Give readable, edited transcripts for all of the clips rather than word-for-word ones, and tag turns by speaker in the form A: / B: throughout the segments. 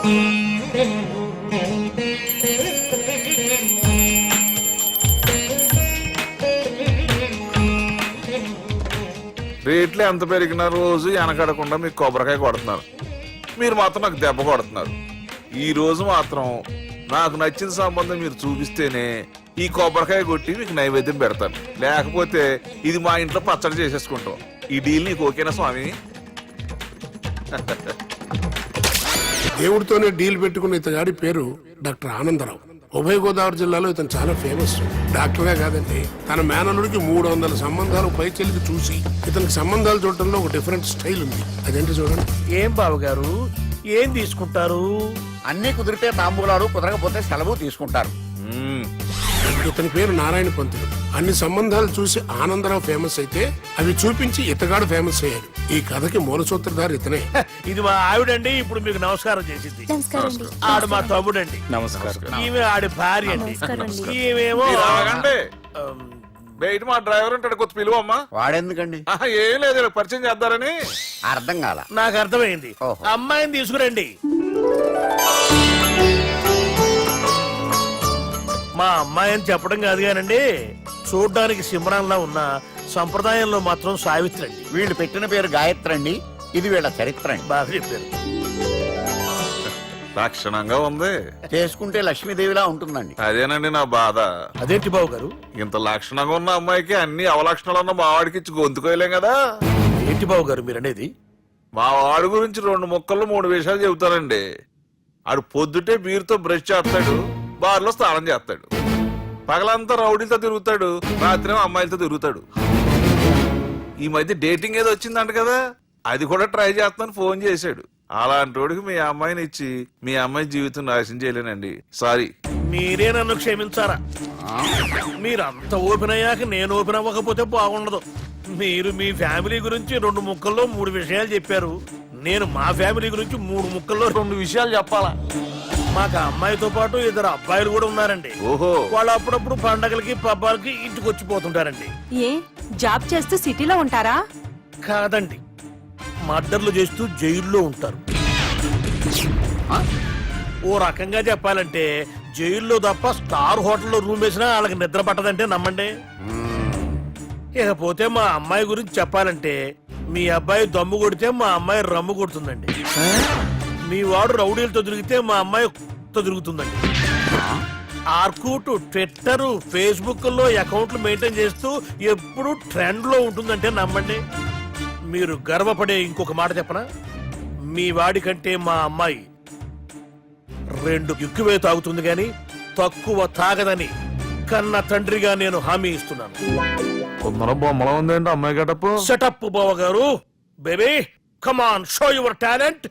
A: రేట్లు ఎంత పెరిగినా రోజు వెనకడకుండా మీకు కొబ్బరికాయ కొడుతున్నారు, మీరు మాత్రం నాకు దెబ్బ కొడుతున్నారు. ఈ రోజు మాత్రం నాకు నచ్చిన సంబంధం మీరు చూపిస్తేనే ఈ కొబ్బరికాయ కొట్టి మీకు నైవేద్యం పెడతాను, లేకపోతే ఇది మా ఇంట్లో పచ్చడి చేసేసుకుంటాం. ఈ డీల్ నీకు ఓకేనా స్వామి?
B: దేవుడితోనే డీల్ పెట్టుకున్న ఇతగాడి పేరు డాక్టర్ ఆనందరావు. ఉభయ గోదావరి జిల్లాలో ఇతను చాలా ఫేమస్. డాక్టర్గా కాదండి, తన మేనల్లుడికి 300 సంబంధాలు పైచెలికి చూసి ఇతనికి సంబంధాలు చూడటంలో ఒక డిఫరెంట్ స్టైల్ ఉంది. అదేంటి చూడండి.
C: ఏం బాబు గారు, ఏం తీసుకుంటారు?
D: అన్ని కుదిరితే తాంబూలాలు, కుదరకపోతే సెలవు తీసుకుంటారు.
B: ఇతని పేరు నారాయణ పంతులు. అన్ని సంబంధాలు చూసి ఆనందరావు ఫేమస్ అయితే అవి చూపించి ఇతగాడు ఫేమస్ అయ్యాడు. ఈ కథకి మూల సూత్రధారి ఇతనే.
C: ఇది మా ఆవిడండి, ఇప్పుడు మీకు నమస్కారం చేసింది. ఆడు మా తమ్ముడండి.
E: నమస్కారం.
C: ఈమె ఆడి భార్య అండి. ఈమెమో
A: బయట మా డ్రైవర్ ఉంటాడు, కొత్త పిలువమ్మా.
D: వాడెందుకండి?
A: ఏం లేదు, పరిచయం చేద్దారని.
D: అర్థం కాల.
C: నాకు అర్థమైంది. అమ్మాయిని తీసుకురండి. మా అమ్మాయి అని చెప్పడం కాదు కానండి, చూడ్డానికి సింహరాన్లా ఉన్న సంప్రదాయంలో మాత్రం సావిత్రి అండి.
D: వీళ్ళు పెట్టిన పేరు గాయత్రి అండి. ఇది వీళ్ళ చరిత్ర అండి.
C: బాగా చెప్పారు.
A: లక్షణంగా ఉంది.
D: చేసుకుంటే లక్ష్మీదేవిలా ఉంటుందండి.
A: అదేనండి నా బాధ.
C: అదేంటి బాబు గారు?
A: ఇంత లక్షణంగా ఉన్న అమ్మాయికి అన్ని అవలక్షణాలు ఉన్న మా వాడికి ఇచ్చి గొంతుకోయలేం కదా.
C: ఏంటి బాబు గారు మీరు అనేది?
A: మా వాడి గురించి 2 ముక్కల్లో 3 విషయాలు చెబుతానండి. ఆడు పొద్దుటే బీరుతో బ్రష్ చేస్తాడు, బార్లో స్నానం చేస్తాడు, పగలంతా రౌడీలతో తిరుగుతాడు, రాత్రి అమ్మాయిలతో తిరుగుతాడు. ఈ మధ్య డేటింగ్ ఏదో వచ్చిందంట కదా, అది కూడా ట్రై చేస్తాను ఫోన్ చేశాడు. అలాంటి వాడికి మీ అమ్మాయిని ఇచ్చి మీ అమ్మాయి జీవితం నాశనం చేయలేనండి. సారీ.
C: మీరే నన్ను క్షమించారా? మీరంత ఓపెన్ అయ్యాక నేను ఓపెన్ అవ్వకపోతే బాగుండదు. మీరు మీ ఫ్యామిలీ గురించి 2 ముక్కల్లో 3 విషయాలు చెప్పారు. నేను మా ఫ్యామిలీ గురించి 3 ముక్కల్లో 2 విషయాలు చెప్పాలా? మాకు అమ్మాయితో పాటు 2 అబ్బాయిలు కూడా ఉన్నారండి.
A: ఓహో.
C: వాళ్ళు అప్పుడప్పుడు పండగలకి పబ్బాలకి ఇంటికి వచ్చిపోతుంటారండి.
F: ఏ జాబ్ చేస్తూ సిటీలో ఉంటారా?
C: కాదండి, మర్డర్లు చేస్తూ జైల్లో ఉంటారు. ఓ రకంగా చెప్పాలంటే జైల్లో తప్ప స్టార్ హోటల్లో రూమ్ వేసినా వాళ్ళకి నిద్ర పట్టదంటే నమ్మండి. ఇకపోతే మా అమ్మాయి గురించి చెప్పాలంటే మీ అబ్బాయి దమ్ము కొడితే మా అమ్మాయి రమ్ము కొడుతుందండి. మీ వాడు రౌడీలతో తిరిగితే మా అమ్మాయి తిరుగుతుందండి. ఆర్కూట్, ట్విట్టర్, ఫేస్బుక్ లో అకౌంట్లు మెయింటైన్ చేస్తూ ఎప్పుడు ట్రెండ్ లో ఉంటుందంటే నమ్మండి. మీరు గర్వపడే ఇంకొక మాట చెప్పనా? మీ వాడి కంటే మా అమ్మాయి 2 ఎక్కువే తాగుతుంది గాని తక్కువ తాగదని కన్న తండ్రిగా నేను హామీ ఇస్తున్నాను.
A: కొందరు బొమ్మలో ఉందేంటి అమ్మాయి గడపు?
C: సెటప్ బావ గారు. Baby come on, show your talent.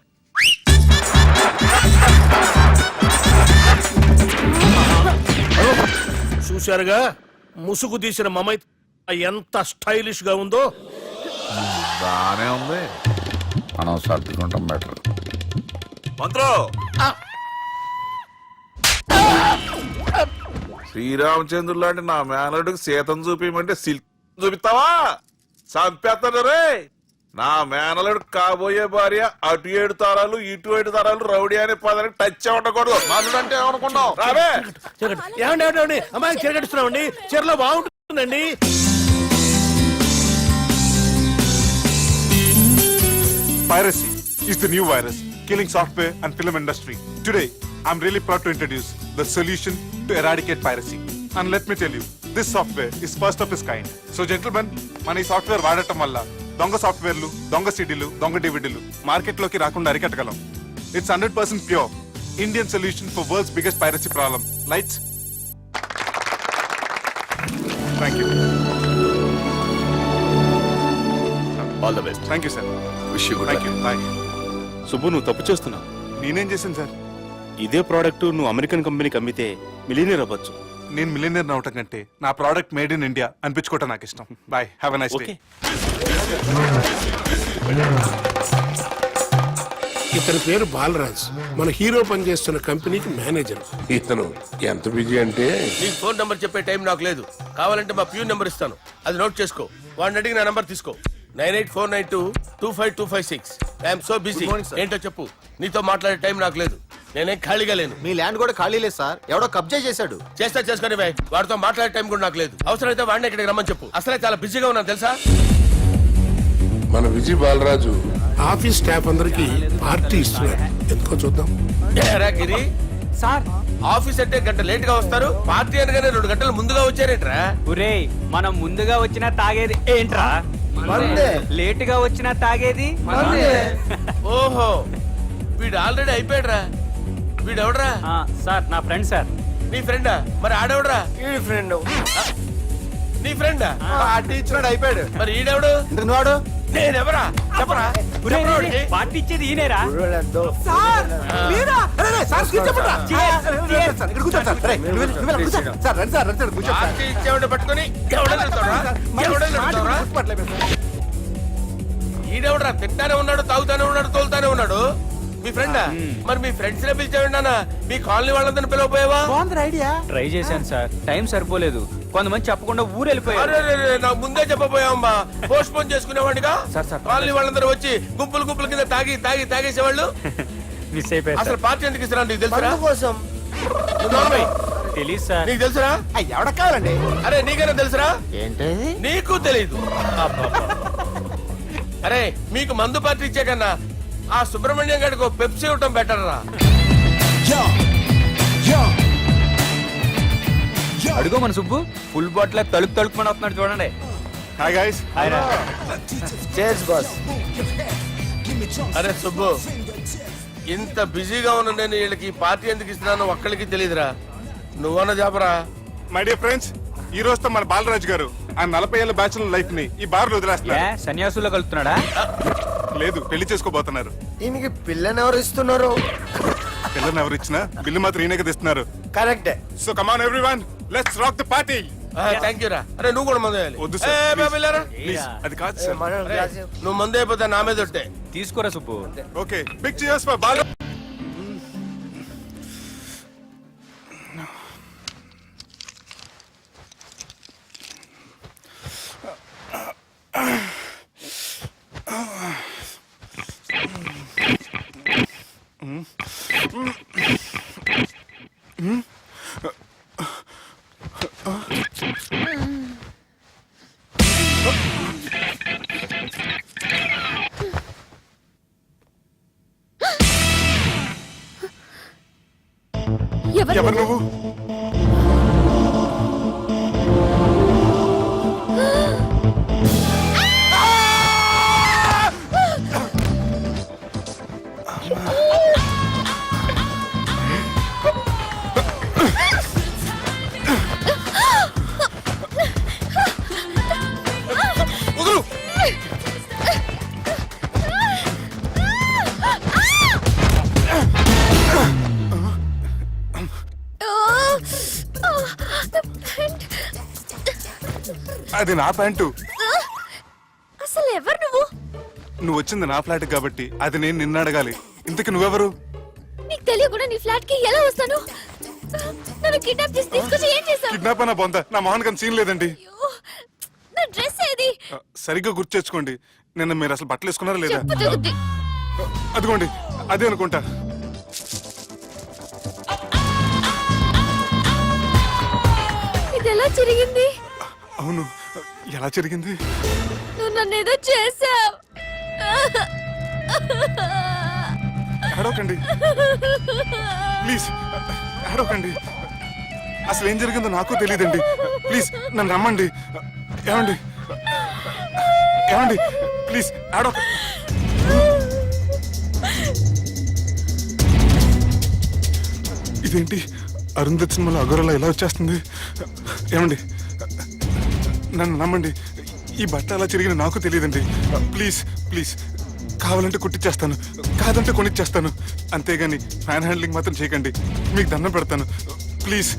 C: చూశారుగా ముసుగు తీసిన మమై ఎంత స్టైలిష్ గా ఉందో.
A: బానే ఉంది.
D: మనం సర్దుకుంటాం బెటర్.
A: మంత్రో, శ్రీరామచంద్రుడు లాంటి నా మేనరుడికి సీతను చూపించమంటే సిల్క్ చూపిస్తావా? చంపేస్తాడు రే. నా మేనలుడు కాబోయే భార్య అటు 7 తరాలు ఇటు 7 తరాలు రౌడీ అనే పదానికి టచ్ ఉండకూడదు. మనడు అంటే ఏమనుకున్నావు? రావే.
C: ఏమండి అమ్మాయి చిరగడుస్తున్నామండి, చీరలో బాగుంటుందండి.
E: Piracy is the new virus killing software and film industry. Today, I'm really proud to introduce the solution to eradicate piracy. And let me tell you, this software is first of its kind. So gentlemen, మన ఈ software వాడటం వల్ల దొంగ సాఫ్ట్వేర్లు, దొంగ సిడీలు, దొంగ డివిడీలు మార్కెట్లోకి రాకుండా అరికట్టగలం. It's 100% pure Indian solution for world's biggest piracy problem. Lights. Thank you.
G: All the best.
E: Thank you, sir.
G: Wish you good
E: Thank you. Bye.
G: సుబ్బు, నువ్వు తప్పు చేస్తున్నావు.
E: నేనేం చేశాను సార్?
G: ఇదే ప్రోడక్ట్ నువ్వు అమెరికన్ కంపెనీకి అమ్మితే మిలియనీర్ అవ్వచ్చు.
E: నేను మిలియనీర్ అవటం కంటే నా ప్రోడక్ట్ మేడ్ ఇన్ ఇండియా అనిపించుకోవటం నాకు ఇష్టం. Bye, have a nice day.
B: ఇతని పేరు బాలరాజ్. మన హీరో పనిచేస్తున్న కంపెనీకి మేనేజర్. ఇతను ఎంత బిజీ అంటే
C: నీకు ఫోన్ నంబర్ చెప్పే టైం నాకు లేదు. కావాలంటే మా ప్యూన్ నంబర్ ఇస్తాను, అది నోట్ చేసుకో. వాడిని అడిగి నా నంబర్ తీసుకో. 9849225256. I'm so busy. ఏంటో చెప్పు. నీతో మాట్లాడే టైం నాకు లేదు. నేనేం ఖాళీగా లేను.
H: మీ ల్యాండ్ కూడా ఖాళీ లేదు సార్, ఎవడో కబ్జా చేశాడు.
C: చేస్తా చేసుకుని బాయ్, వాడితో మాట్లాడే టైం కూడా నాకు లేదు. అవసరమైతే వాడిని ఇక్కడికి రమ్మని చెప్పు. అసలే చాలా బిజీగా ఉన్నాను తెలుసా.
B: మన విజయ్ బాలరాజు ఆఫీస్ స్టాఫ్ అందరికి పార్టీ ఇస్తున్నాడు, ఎందుకో చూద్దాం.
C: ఏరా గిరి
I: సార్
C: ఆఫీస్ అంటే గంట లేట్ గా వస్తారు, పార్టీ అనగానే 2 గంటలు ముందుగా వచ్చారేంట్రా?
I: ఒరే మనం ముందుగా వచ్చినా తాగేది ఏంట్రా? లేట్ గా వచ్చినా తాగేది
C: ఓహో వీడు ఆల్రెడీ అయిపోయాడురా. వీడెవడరా?
I: సార్ నా ఫ్రెండ్ సార్.
C: నీ ఫ్రెండా? మరి ఆడెవడరా?
D: ఈ ఫ్రెండ్
C: నీ ఫ్రెండా?
H: పార్టీ ఇచ్చినాడు, అయిపోయాడు.
C: మరి ఈడెవడు?
H: ఇంతకు నువ్వాడు
C: నేనెవరా చెప్పరా? చెప్పరా వాడికి?
I: పార్టీ ఇచ్చేది ఈనేరా?
C: పార్టీ ఇచ్చేవాడిని పట్టుకొని ఎవడని అడుగుతావురా? ఎవడని అడుగుతావురా? ఈడెవడరా? తింటానే ఉన్నాడు, తాగుతానే ఉన్నాడు, తోలుతానే ఉన్నాడు. మీ ఫ్రెండా? మరి మీ ఫ్రెండ్స్ నే పిలిచాడు నాన్న. మీ కాలనీ వాళ్ళందరినీ పిలవపోయావా?
I: ట్రై చేశాను సార్, టైం సరిపోలేదు. కొంతమంది చెప్పకుండా ఊరు వెళ్ళిపోయారు.
C: అరే నాకు ముందే చెప్పపోయావమ్మా. పోస్ట్ పోన్ చేసుకునేవాడిగా.
I: Sir, sir.
C: కాలనీ వాళ్ళందరూ వచ్చి గుంపులు గుంపుల కింద తాగేసేవాళ్ళు.
I: మిస్ అయిపోయారు
C: అసలు
I: సార్.
C: పార్టీ ఎందుకు ఇస్తున్నా నీకు తెలుసురా?
D: కోసం
C: నువ్వు నోర్మై.
I: తెలీదు సార్.
C: నీకు తెలుసురా?
H: ఎవడ కావాలండి?
C: అరే నీకైనా తెలుసురా?
D: ఏంటి
C: నీకు తెలీదు. అరే మీకు మందు పార్టీ ఇచ్చే కన్నా ఆ సుబ్రహ్మణ్యం గారికి పెప్సీ ఇవ్వటం బెటర్ రా.
I: అడుగో మన సుబ్బు ఫుల్ బాటిల్ తలుపుమని వస్తున్నాడు చూడండి.
E: Hi guys.
D: Cheers boss.
C: అరే సుబ్బు, ఇంత బిజీగా ఉన్న నేను వీళ్ళకి ఈ పార్టీ ఎందుకు ఇస్తున్నాను ఒక్కడికి తెలియదురా. నువ్వన్న చెప్పరా.
E: మై డియర్ ఫ్రెండ్స్, ఈ రోజుతో మన బాలరాజు గారు ఆ 40 ఏళ్ల బ్యాచులర్ లైఫ్ ని ఈ బార్ లో వదిలేస్తున్నారు.
I: సన్యాసుల్లో కలుపుతున్నాడా?
E: లేదు, పెళ్లి చేసుకోబోతున్నారు.
D: ఈయనకి పిల్లని ఎవరు ఇస్తున్నారు?
E: పిల్లని ఎవరు ఇచ్చినా బిల్లు మాత్రం ఈయనకి తెస్తున్నారు.
D: కరెక్టే.
E: So come on everyone, let's rock the party.
C: Thank you రా. అరే నువ్వు కూడా మందు వేయాలి.
E: వద్దు
C: ఏ,
E: సార్,
C: బాబు వెళ్ళారా?
E: ప్లీజ్. అది కాదు సార్.
C: అరే, నువ్వు మందు అయిపోతే నా మీద ఒట్టే.
I: తీసుకోరా Subbu.
E: Okay, big cheers for Bala. ఎవరు నువ్వు? అది నా ప్యాంటు.
F: అసలు ఎవరు నువ్వు?
E: నువ్వు వచ్చింది నా ఫ్లాట్ కాబట్టి అది నేను నిన్ను అడగాలి. ఇంతకు నువ్వెవరు?
F: నీకు తెలియకుండా నీ ఫ్లాట్ కి ఎలా వస్తాను? నన్ను కిడ్నాప్ చేసి తీసుకొచ్చి ఏం చేశావు?
E: కిడ్నాప్ అన్న బొంద, నా మోహన్ కన్ సీన్ లేదండి.
F: నా డ్రెస్ ఏది?
E: సరిగ్గా గుర్తు తెచ్చుకోండి. నిన్న మీరు అసలు బట్టలు వేసుకున్నారా లేదా?
F: చెప్పు తగ్గుద్ది.
E: అదిగోండి, అదే అనుకుంటా.
F: ఇది ఎలా జరిగింది?
E: అవును, ఎలా జరిగింది?
F: నువ్వు నన్ను ఏదో చేసావు.
E: ఏడవకండి ప్లీజ్, ఏడవకండి. అసలు ఏం జరిగిందో నాకు తెలియదండి. ప్లీజ్ నన్ను రమ్మండి. ఏమండి ఏమండి ప్లీజ్ ఏడవ. ఇదేంటి అరుంధతి సినిమాలో అగోరలా ఎలా వచ్చేస్తుంది? ఏమండి నన్ను నమ్మండి, ఈ బట్ట అలా చిరిగిన నాకు తెలియదండి. ప్లీజ్ ప్లీజ్, కావాలంటే కుట్టిచ్చేస్తాను, కాదంటే కొనిచ్చేస్తాను. అంతేగాని ఫ్యాన్ హ్యాండ్లింగ్ మాత్రం చేయకండి, మీకు దండం పెడతాను ప్లీజ్.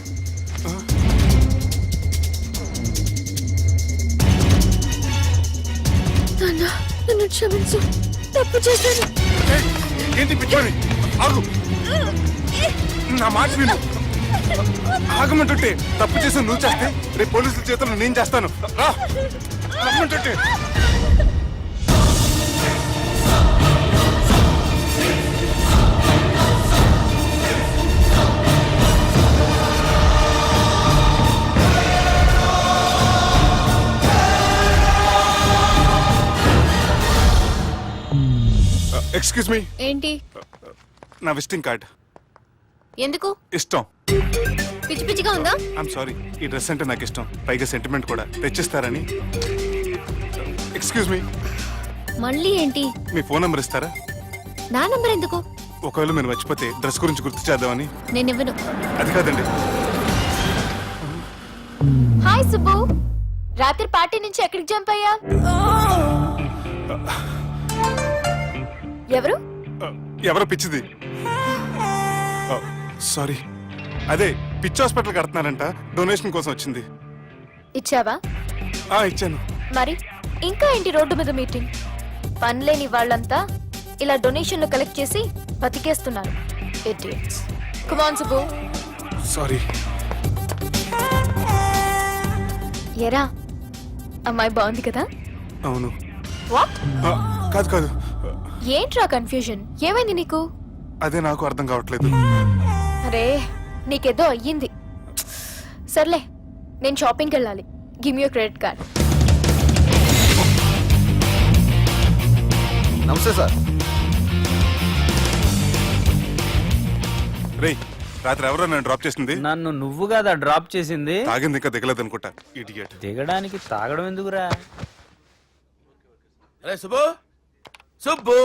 F: నన్ను క్షమించు, తప్పు చేశాను.
E: ఏంటి పిచ్చోని? ఆగు, నా మాట విను. ఆగమంటుంటే తప్పు చేసి నువ్వు చేస్తే రేపు పోలీసుల చేతుల్లో నేను చేస్తాను. రా రమ్మంటుంటే. ఎక్స్క్యూజ్ మీ,
F: ఏంటి?
E: నా విజిటింగ్ కార్డ్.
F: ఎందుకు?
E: ఇష్టం.
F: పిచ్చి పిచ్చిగా ఉందా?
E: ఐఎమ్ సారీ, ఈ డ్రెస్ అంటే నాకు ఇష్టం, పైగా సెంటిమెంట్ కూడా. తెచ్చిస్తారని. ఎక్స్క్యూజ్ మీ,
F: మళ్ళీ ఏంటి?
E: మీ ఫోన్ నెంబర్ ఇస్తారా?
F: నా నంబర్ ఎందుకు?
E: ఒకవేళ మీరు మర్చిపోతే డ్రెస్ గురించి గుర్తు చేద్దామని.
F: నేను ఇవ్వను.
E: అది కాదండి.
F: హాయ్ సుబ్బు, రాత్రి పార్టీ నుంచి ఎక్కడికి జంప్ అయ్యా? ఎవరు?
E: ఎవరో పిచ్చిది. సారీ, అదే పిచ్చి హాస్పిటల్ కడుతున్నారంట, డొనేషన్ కోసం వచ్చింది.
F: ఇచ్చావా?
E: ఇచ్చాను.
F: మరి ఇంకా ఏంటి రోడ్డు మీద మీటింగ్? పనిలేని వాళ్ళంతా ఇలా డొనేషన్లు కలెక్ట్ చేసి బతికేస్తున్నారు. Idiots. Come on, Subbu.
E: Sorry.
F: ఎరా, అమ్మాయి బాగుంది కదా?
E: అవును.
F: వాట్?
E: కాదు కాదు,
F: ఏంట్రా కన్ఫ్యూజన్? ఏమైంది నీకు?
E: అదే నాకు అర్థం కావట్లేదు.
F: అరే, నీకేదో అయ్యింది. సర్లే, నేను షాపింగ్కి వెళ్ళాలి. Give me your credit card.
H: నమస్తే సార్.
E: రేయ్, రాత్రి ఎవరో నన్ను డ్రాప్ చేసింది?
I: నన్ను నువ్వు కదా డ్రాప్ చేసింది.
E: తాగింది ఇంకా దిగలేదు అనుకుంటా. ఇడియట్.
I: దిగడానికి తాగడం ఎందుకురా?
C: అరే సుబ్బు, సుబ్బు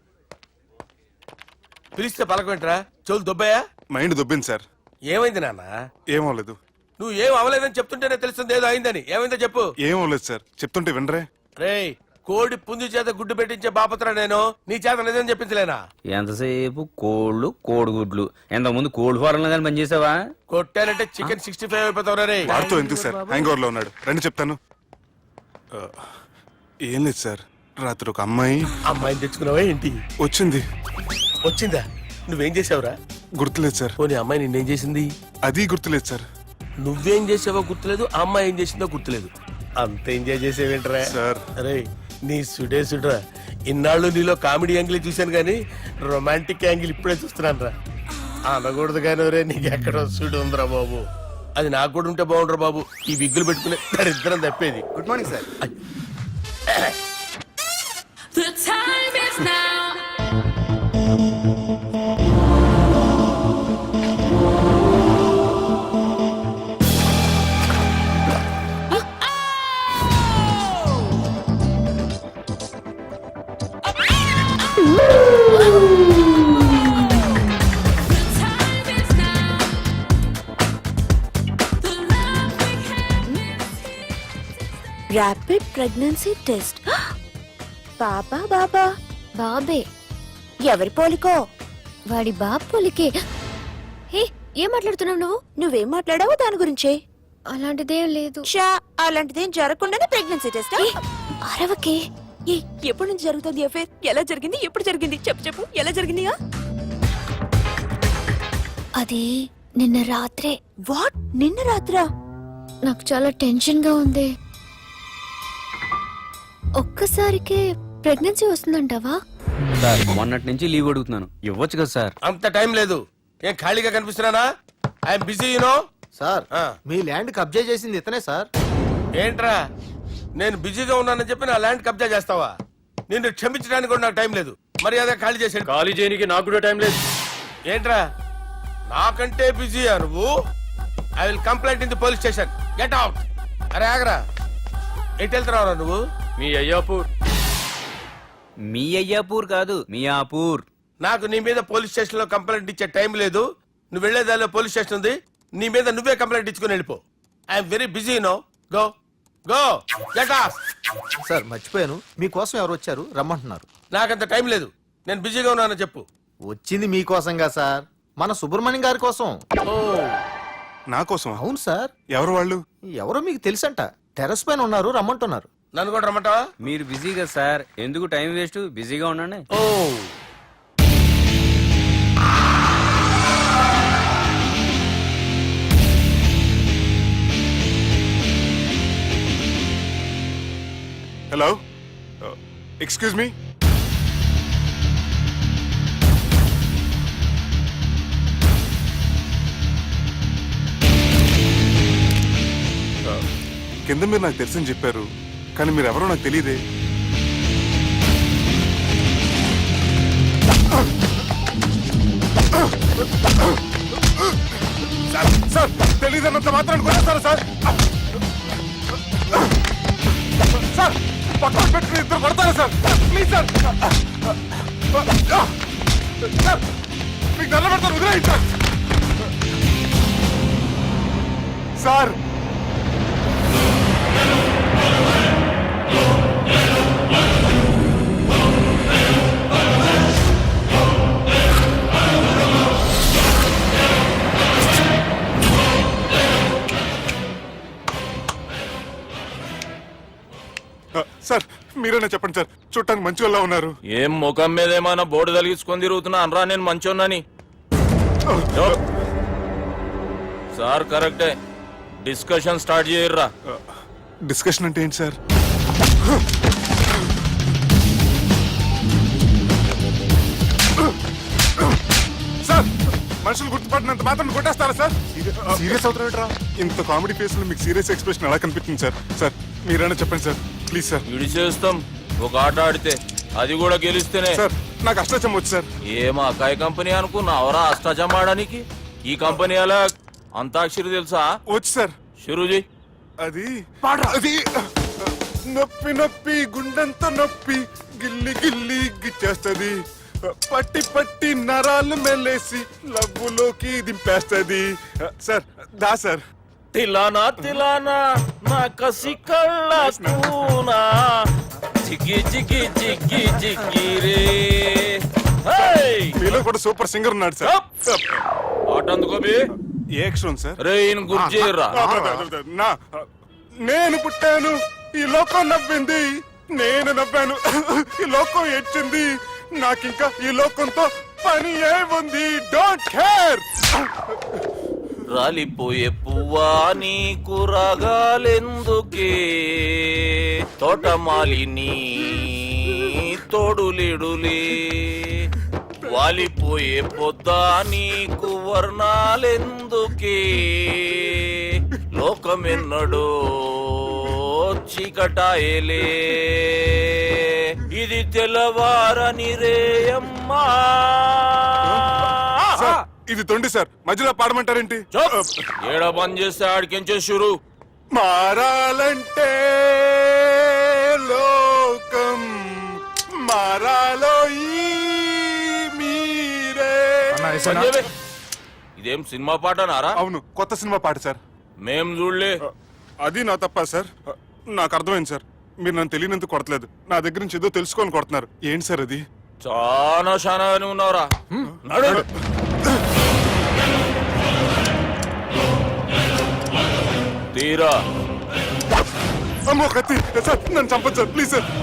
C: పిలిస్తే పలకమేంట్రా? చెవులు దుబ్బయ్యా?
E: Mind దొబ్బింది sir.
C: ఏమైంది నాన్న?
E: ఏమవలేదు.
C: నువ్వు ఏం అవలేదని చెప్తుంటేనే తెలుస్తుంది ఏదో అయిందని. ఏమైందో చెప్పు.
E: ఏమవలేదు సార్, చెప్తుంటే వినరే.
C: రేయ్, కోడి పుంజు చేత గుడ్డు పెట్టించే బాపత్రా నేను. నీ చేత నిజం చెప్పించలేనా?
I: ఎంతసేపు కోళ్ళు కోడిగుడ్లు. ఎంతకుముందు కోడి ఫారంలో కానీ పనిచేసావా?
C: కొట్టానంటే చికెన్ 65 అయిపోతావు రే.
E: వాడితో ఎందుకు సార్, హ్యాంగ్ ఓవర్ లో ఉన్నాడు. రండి చెప్తాను. ఏం లేదు సార్, రాత్రి ఒక
C: అమ్మాయిని తెచ్చుకున్నావా ఏంటి?
E: వచ్చింది.
C: వచ్చిందా? నువ్వేం చేసావురా?
E: గుర్తులేదు సార్.
C: పోనీ అమ్మాయి నిన్నేం చేసింది?
E: అది గుర్తులేదు సార్.
C: నువ్వేం చేసావో గుర్తులేదు, ఆ అమ్మాయి ఏం చేసిందో గుర్తులేదు. అంత ఎంజాయ్ చేసేవేంట్రా
E: సార్?
C: అరే, నీ సుడే సుడ్రా. ఇన్నాళ్ళు నీలో కామెడీ యాంగిల్ చూశాను కానీ రొమాంటిక్ యాంగిల్ ఇప్పుడే చూస్తున్నాను రా. అనకూడదు కానీ రే, నీకు ఎక్కడో సుడు ఉందిరా బాబు. అది నాకు కూడా ఉంటే బాగుండ్రా బాబు. ఈ విగ్గులు పెట్టుకునే దరిద్రం తప్పేది.
H: Good morning sir.
J: The time is now.
F: Rapid pregnancy test. బాబా బాబా బాబే. ఎవరి పోలికో? వాడి బాబు పోలికే. హే, ఏం మాట్లాడుతున్నావు నువ్వు? నువ్వేం మాట్లాడావు దాని గురించే? అలాంటిదేం లేదు. అలాంటిదేం జరగకుండానే ప్రెగ్నెన్సీ టెస్ట్? అరవకే. ఎప్పటి నుంచి జరుగుతుంది అఫేర్? ఎలా జరిగింది? ఎప్పుడు జరిగింది? చెప్పు చెప్పు, ఎలా జరిగింది? అది నిన్న రాత్రే. వాట్? నిన్న రాత్రా? నాకు చాలా టెన్షన్ గా ఉంది. ఒక్కసారికే ప్రెగ్నెన్సీ వస్తుందంటావా?
I: సార్, మొన్నటి నుంచి లీవ్ అడుగుతున్నాను, ఇవ్వచ్చు కదా సార్?
C: అంత టైం లేదు. ఏం ఖాళీగా కనిపిస్తున్నానా? I'm busy you know.
H: సార్, మీ ల్యాండ్ కబ్జా చేసింది ఇతనే సార్.
C: ఏంట్రా, నేను బిజీగా ఉన్నానని చెప్పి నా ల్యాండ్ కబ్జా చేస్తావా? నిన్ను క్షమించడానికి కూడా నాకు టైం లేదు. మరి అదే ఖాళీ చేసాడు.
G: ఖాళీ చేయడానికి నాకు కూడా టైం లేదు.
C: ఏంట్రా, నాకంటే బిజీయా నువ్వు? I will complaint in the police station. Get out. అరే ఆగరా, ఎటు వెళ్తున్నావురా నువ్వు?
G: మీ అయ్యాపూర్.
I: మీ అయ్యాపూర్ కాదు, మియాపూర్.
C: నాకు నీ మీద పోలీస్ స్టేషన్ లో కంప్లైంట్ ఇచ్చే టైం లేదు. నువ్వు వెళ్లేదాలో పోలీస్ స్టేషన్ ఉంది. నీ మీద నువ్వే కంప్లైంట్ ఇచ్చుకుని వెళ్ళిపో. I'm very busy no. Go go get off.
H: Sir మర్చిపోయాను, మీకోసం ఎవరు వచ్చారు, రమ్మంటున్నారు.
C: నాకంత టైం లేదు, నేను బిజీగా ఉన్నానని చెప్పు.
H: వచ్చింది మీకోసంగా సార్, మన సుబ్రహ్మణ్యం గారి కోసం.
C: ఓ,
E: నా కోసం?
H: అవును సార్.
E: ఎవరు వాళ్ళు?
H: ఎవరో మీకు తెలుసంట, టెర్రస్ పైన ఉన్నారు, రమ్మంటున్నారు.
C: నన్ను కూడా రమ్మంటావా?
I: మీరు బిజీగా సార్, ఎందుకు టైం వేస్ట్? బిజీగా ఉండండి.
C: ఓ,
E: హలో, ఎక్స్క్యూజ్ మీ. కింద మీరు నాకు తెలుసని చెప్పారు, కానీ మీరు ఎవరో నాకు తెలియదే. సార్ తెలియదన్నంత మాత్రం కొట్టేస్తారా సార్? సార్ పక్కన పెట్టుకుని ఇద్దరు కొడతారా సార్? Please sir. సార్ మీకు దండ పెడతారు, వదిలేయండి సార్. సార్ సార్ మీరేనా చెప్పండి సార్, చూడటానికి మంచి వాళ్ళ ఉన్నారు.
A: ఏం ముఖం మీద ఏమైనా బోర్డు తలిగించుకొని తిరుగుతున్నా అనరా నేను మంచోన్నాని. సార్ కరెక్టే, డిస్కషన్ స్టార్ట్ చేయర్రా.
E: డిస్కషన్ అంటే ఏంటి సార్? సార్ మనుషులు గుర్తుపడినంత మాత్రం కొట్టేస్తారా సార్? సీరియస్ అవుతారా? ఇంత కామెడీ ఫేస్ లో మీకు సీరియస్ ఎక్స్ప్రెషన్ ఎలా కనిపిస్తుంది సార్? సార్ మీరైనా చెప్పండి సార్, ప్లీజ్ సార్.
A: విడి చేస్తాం ఒక ఆట ఆడితే, అది కూడా గెలిస్తేనే.
E: సార్ నాకు అష్టాచం వచ్చు సార్.
A: ఏం అకాయ కంపెనీ అనుకున్నావరా అష్టాచం ఆడడానికి? ఈ కంపెనీ అలా అంతాక్షరి తెలుసా?
E: వచ్చు సార్.
A: షురూజీ.
E: అది అది నొప్పి నొప్పి గుండెంత నొప్పి గిల్లి గిల్లి గిచ్చేస్తది, పట్టి పట్టి నరాలు మెల్లేసి లవ్వులోకి దింపేస్తది. సార్ దా సార్.
A: తిలానా తిలానా నా కసి కళ్ళ కూనా జిగి జిగి జిగి జిగి రే.
E: మీలో కూడా సూపర్ సింగర్ ఉన్నాడు సార్.
A: ఆట అందుకోబి
E: ఏ అక్షరం సార్?
A: రే ఈయన గుర్తు చేయర్రా.
E: నా నేను పుట్టాను, ఈ లోకం నవ్వింది, నేను నవ్వాను, ఈ లోకం ఏడ్చింది, నాకింకా ఈ లోకంతో పని ఏముంది? Don't care.
A: రాలిపోయే పువ్వా నీకు రాగాలెందుకే, తోటమాలిని తోడులిడులే, వాలిపోయే పొద్దా నీకు వర్ణాలెందుకే, లోకమెన్నడో చీకటాయలే, ఇది తెల్లవారని రేయమ్మా.
E: సార్, ఇది తొండి సార్, మధ్యలో పాడమంటారేంటి?
A: ఏడా బంద్ చేస్తే ఆడికించే షురు.
E: మారాలంటే లోకం మారాలో ఈ మీరే.
A: సంజయ్, ఇదేం సినిమా పాట నారా?
E: అవును, కొత్త సినిమా పాట సార్.
A: మేం చూడలే.
E: అది నా తప్ప సార్. నాకు అర్థమైంది సార్, మీరు నన్ను తెలియనందుకు కొడతలేదు, నా దగ్గర నుంచి ఏదో తెలుసుకొని కొడుతున్నారు. ఏంటి సార్ అది?
A: చాలా శానాగానే ఉన్నావురా. నడు. తీరా.
E: అమ్మో కత్తి సార్, నన్ను చంపదు సార్, ప్లీజ్ సార్.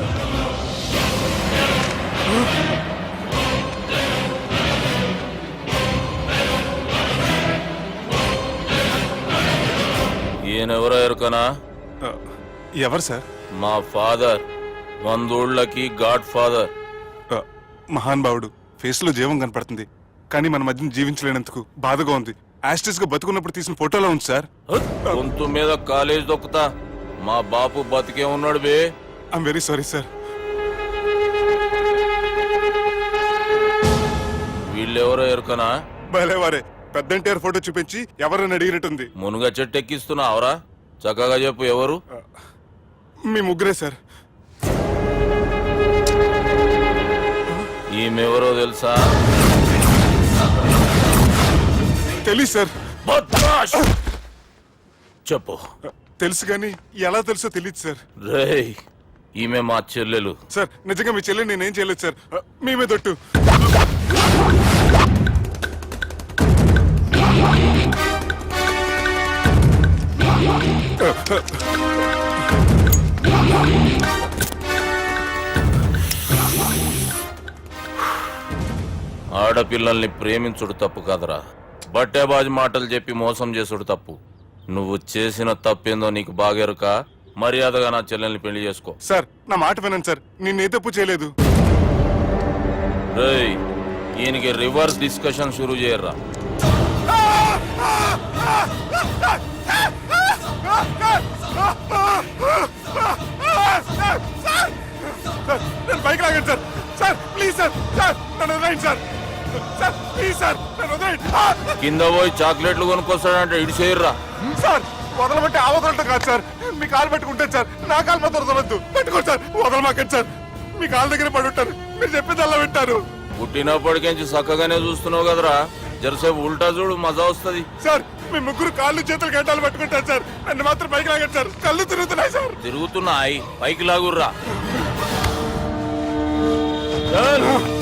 A: ఈయనెవరో ఎరుకనా?
E: ఎవరు సార్?
A: మా ఫాదర్, 100 గాడ్ ఫాదర్.
E: మహాన్ భావుడు, ఫేస్ లో జీవం కనపడుతుంది, కానీ మన మధ్యన జీవించలేనందుకు బాధగా ఉంది. యాస్టిస్ గా బతుకున్నప్పుడు తీసిన ఫోటోలో ఉంది సార్.
A: గొంతు మీద కాలేజ్ దొక్కుతా, మా బాపు బతికే ఉన్నాడు బే.
E: I'm very sorry sir.
A: వీళ్ళెవరో ఎరుకనా?
E: భలేవారే, పెద్ద ఎన్టీఆర్ ఫోటో చూపించి ఎవరని అడిగినట్టుంది.
A: మునుగ చెట్టు ఎక్కిస్తున్నావురా? చక్కగా చెప్పు ఎవరు?
E: మీ ముగ్గురే సార్.
A: ఈమెవరో తెలుసా?
E: తెలీదు సార్.
A: బద్మాష్! చెప్పు.
E: తెలుసు కానీ ఎలా తెలుసో తెలియదు సార్.
A: రేయ్, ఈమె మా చెల్లెలు.
E: సార్ నిజంగా మీ చెల్లి నేనేం చేయలేదు సార్, మీ మీద ఒట్టు.
A: ఆడపిల్లల్ని ప్రేమించుడు తప్పు కాదురా, బట్టేబాజు మాటలు చెప్పి మోసం చేసుడు తప్పు. నువ్వు చేసిన తప్పేందో నీకు బాగెరుక. మర్యాదగా నా చెల్లెల్ని పెళ్లి చేసుకో.
E: సార్ నా మాట వినండి సార్, నేనే తప్పు చేయలేదు.
A: రేయ్, ఈయనకి రివర్స్ డిస్కషన్ షురూ చేయర్రా.
E: నేను బైక్ లాగండి sir. Sir please sir sir నన్ను వదిలేయండి సార్ సార్ ప్లీజ్ సార్ నన్ను వదిలేయండి
A: కింద పోయి చాక్లెట్లు కొనుక్కొస్తాడంటే ఇటు చేయర్రా.
E: సార్ వదలమంటే ఆ వదలటం కాదు సార్ మీ కాలు పెట్టుకుంటాను సార్ నా కాలు మాత్రం వదలొద్దు పెట్టుకోండి సార్ వదలమాకండి సార్ మీ కాలు దగ్గర పడి ఉంటారు మీరు చెప్పేది అలా వింటారు
A: పుట్టినప్పటికేంచి చక్కగానే చూస్తున్నావు కదరా, జరసేపు ఉల్టా చూడు మజా వస్తది.
E: సార్ మీ ముగ్గురు కాళ్ళు చేతులు గంటలు పెట్టుకుంటారు సార్ నన్ను మాత్రం పైకి లాగండి సార్ కళ్ళు తిరుగుతున్నాయి సార్
A: తిరుగుతున్నాయి, పైకి లాగుర్రా.
E: సార్